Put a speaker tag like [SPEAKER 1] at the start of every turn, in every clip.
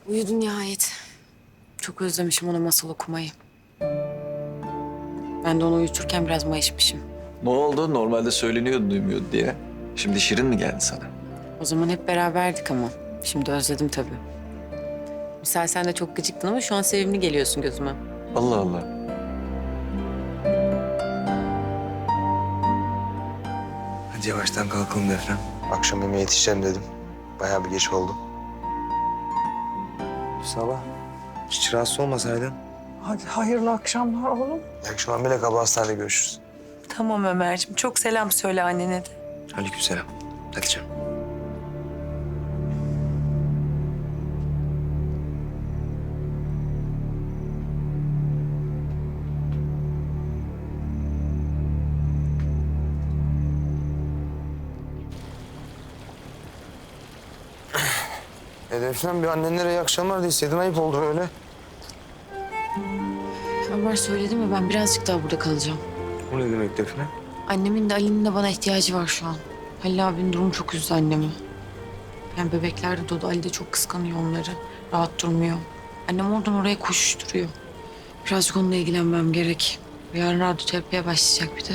[SPEAKER 1] Uyudu nihayet. Çok özlemişim ona masal okumayı. Ben de onu uyuturken biraz mayışmışım.
[SPEAKER 2] Ne oldu? Normalde söyleniyordu duymuyordu diye. Şimdi Şirin mi geldi sana?
[SPEAKER 1] O zaman hep beraberdik ama. Şimdi özledim tabii. Misal sen de çok gıcıktın ama şu an sevimli geliyorsun gözüme.
[SPEAKER 2] Allah Allah.
[SPEAKER 3] Hadi yavaştan kalkalım Defne. Akşam yemeğe yetişeceğim dedim. Bayağı bir geç oldu. Sabah. Hiç rahatsız olmasaydın.
[SPEAKER 4] Hadi hayırlı akşamlar oğlum.
[SPEAKER 3] İyi akşamlar Melek abla, hastanede görüşürüz.
[SPEAKER 4] Tamam Ömerciğim. Çok selam söyle annene de.
[SPEAKER 3] Aleykümselam. Hadi canım. Defne bir annenlere iyi akşamlar deseydin ayıp oldu öyle.
[SPEAKER 1] Ömer söyledi mi ben birazcık daha burada kalacağım.
[SPEAKER 3] O ne demek Defne?
[SPEAKER 1] Annemin de Ali'nin de bana ihtiyacı var şu an. Halil abinin durumu çok üzdü annemi. Yani bebekler de doğdu. Ali de çok kıskanıyor onları. Rahat durmuyor. Annem oradan oraya koşuşturuyor. Birazcık onunla ilgilenmem gerek. Yarın radyoterapiye başlayacak bir de.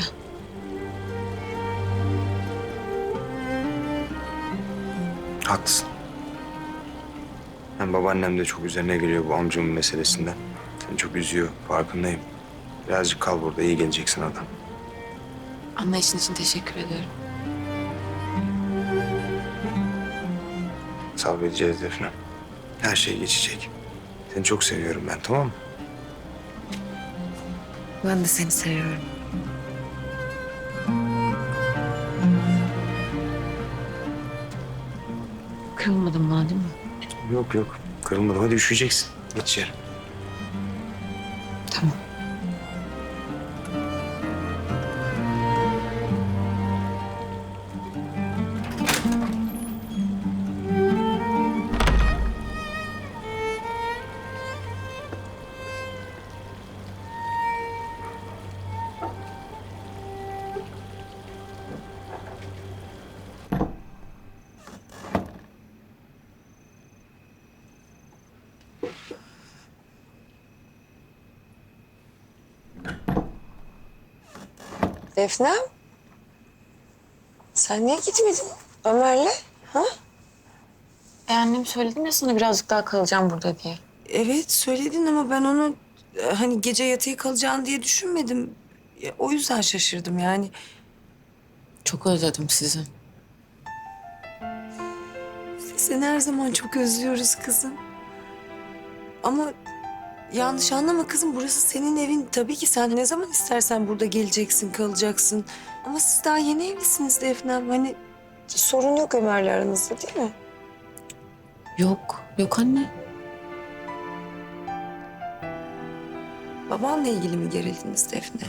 [SPEAKER 3] Haklısın. Hem babaannem de çok üzerine geliyor bu amcamın meselesinden. Seni çok üzüyor, farkındayım. Birazcık kal burada, iyi geleceksin adam.
[SPEAKER 1] Anlayışın için teşekkür ederim.
[SPEAKER 3] Sabredeceğiz Defne. Her şey geçecek. Seni çok seviyorum ben, tamam mı?
[SPEAKER 1] Ben de seni seviyorum. Kırılmadın bana değil mi?
[SPEAKER 3] Yok yok, kırılmadım. Hadi üşüyeceksin. Geç içeri.
[SPEAKER 1] Tamam.
[SPEAKER 5] Defne, sen niye gitmedin Ömer'le? Ha?
[SPEAKER 1] Annem söyledim ya sana birazcık daha kalacağım burada diye.
[SPEAKER 5] Evet söyledin ama ben onu hani gece yatıya kalacağını diye düşünmedim. O yüzden şaşırdım yani.
[SPEAKER 1] Çok özledim sizi.
[SPEAKER 5] Seni her zaman çok özlüyoruz kızım. Ama yanlış anlama kızım, burası senin evin. Tabii ki sen ne zaman istersen burada geleceksin, kalacaksın. Ama siz daha yeni evlisiniz Defne'm. Hani sorun yok Ömer'le aranızda değil mi?
[SPEAKER 1] Yok, yok anne.
[SPEAKER 5] Babanla ilgili mi gerildiniz Defne?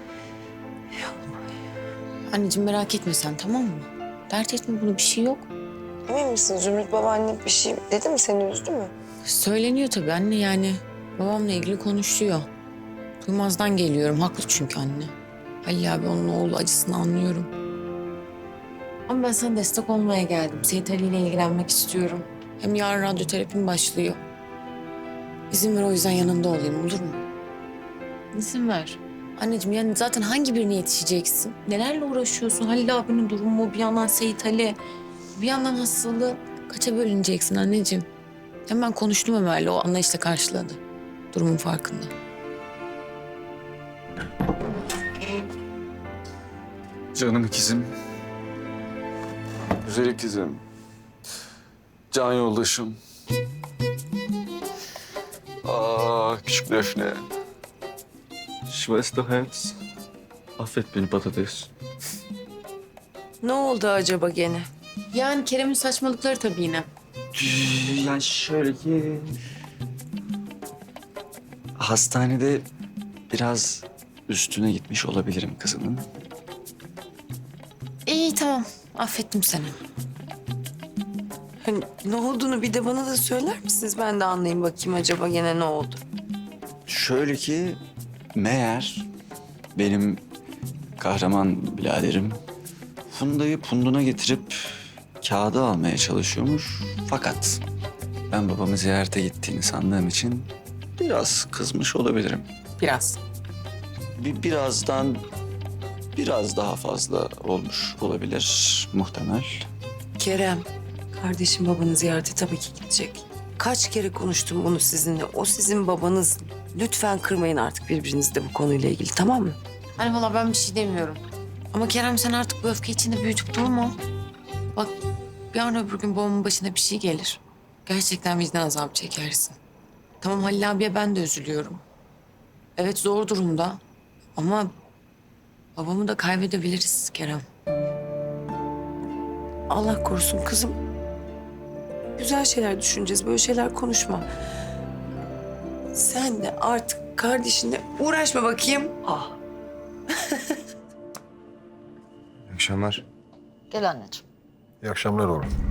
[SPEAKER 1] Anneciğim merak etme sen tamam mı? Dert etme bunu bir şey yok.
[SPEAKER 5] Emin misin Zümrüt babaanne bir şey dedi mi, seni üzdü mü?
[SPEAKER 1] Söyleniyor tabii anne yani. Babamla ilgili konuşuyor. Duymazdan geliyorum. Haklı çünkü anne. Halil abi onun oğlu acısını anlıyorum. Ama ben sana destek olmaya geldim. Seyit Ali ile ilgilenmek istiyorum. Hem yarın radyoterapim başlıyor. İzin ver o yüzden yanında olayım olur mu? İzin ver. Anneciğim yani zaten hangi birine yetişeceksin? Nelerle uğraşıyorsun? Halil abinin durumu, bir yandan Seyit Ali, bir yandan hastalığı. Kaça bölüneceksin anneciğim? Hem ben konuştum Ömer'le, o anlayışla karşıladı. Durumun farkında.
[SPEAKER 2] Canım ikizim. Güzel ikizim. Can yoldaşım. Küçük Defne. Schwesterherz. Affet beni patates.
[SPEAKER 5] Ne oldu acaba gene?
[SPEAKER 1] Yani Kerem'in saçmalıkları tabii yine.
[SPEAKER 2] Yani şöyle ki... Hastanede biraz üstüne gitmiş olabilirim kızının.
[SPEAKER 1] İyi tamam, affettim seni.
[SPEAKER 5] Hani ne olduğunu bir de bana da söyler misiniz? Ben de anlayayım bakayım acaba gene ne oldu?
[SPEAKER 2] Şöyle ki meğer benim kahraman biraderim Funda'yı punduna getirip kağıdı almaya çalışıyormuş. Fakat Ben babamı ziyarete gittiğini sandığım için biraz kızmış olabilirim.
[SPEAKER 1] Biraz.
[SPEAKER 2] Birazdan biraz daha fazla olmuş olabilir muhtemel.
[SPEAKER 5] Kerem, kardeşim babanı ziyarete tabii ki gidecek. Kaç kere konuştum bunu sizinle. O sizin babanız. Lütfen kırmayın artık birbirinizi de bu konuyla ilgili, tamam mı?
[SPEAKER 1] Hani valla ben bir şey demiyorum. Ama Kerem sen artık bu öfke içinde büyütüp durma. Bak yarın öbür gün babamın başına bir şey gelir. Gerçekten vicdan azabı çekersin. Tamam Halil abiye ben de üzülüyorum. Evet zor durumda. Ama babamı da kaybedebiliriz Kerem.
[SPEAKER 5] Allah korusun kızım. Güzel şeyler düşüneceğiz. Böyle şeyler konuşma. Sen de artık kardeşinle uğraşma bakayım. Ah.
[SPEAKER 3] İyi akşamlar.
[SPEAKER 1] Gel anneciğim.
[SPEAKER 6] İyi akşamlar oğlum.